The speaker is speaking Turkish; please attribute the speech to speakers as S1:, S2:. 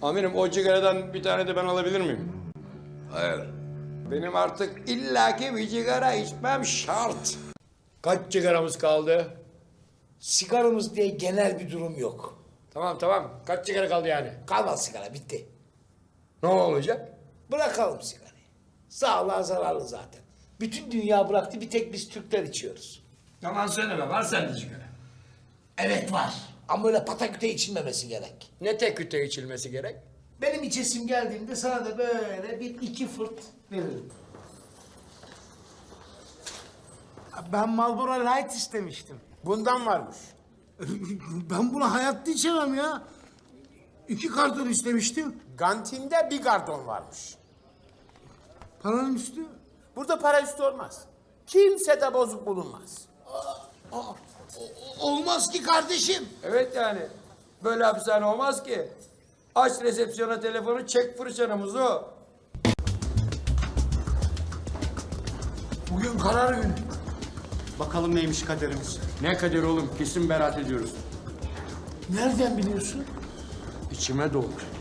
S1: Amirim o cigaradan bir tane de ben alabilir miyim?
S2: Hayır.
S1: Benim artık illaki bir sigara içmem şart. Kaç sigaramız kaldı?
S3: Sigaramız diye genel bir durum yok.
S1: Tamam. Kaç sigara kaldı yani?
S3: Kalmaz sigara, bitti.
S1: Ne olacak?
S3: Bırakalım sigarayı. Sağlığa zararlı zaten. Bütün dünya bıraktı, bir tek biz Türkler içiyoruz.
S1: Yalan söyleme, var sende sigara.
S3: Evet var. Ama öyle pataküte içilmemesi gerek.
S1: Ne tek küte içilmesi gerek?
S3: Benim içesim geldiğinde sana da böyle bir iki fırt veririm.
S4: Ben Marlboro Light istemiştim.
S5: Bundan varmış.
S4: Ben bunu hayatta içemem ya. 2 karton istemiştim.
S5: Kantinde bir karton varmış.
S4: Paranın üstü.
S5: Burada para üstü olmaz. Kimse de bozuk bulunmaz.
S3: Olmaz ki kardeşim.
S1: Evet yani. Böyle hapishane olmaz ki. Aç resepsiyona telefonu, çek fırçanımızı o.
S3: Bugün karar günü.
S6: Bakalım neymiş kaderimiz.
S1: Ne kader oğlum, kesin beraat ediyoruz.
S3: Nereden biliyorsun?
S1: İçime doğdu.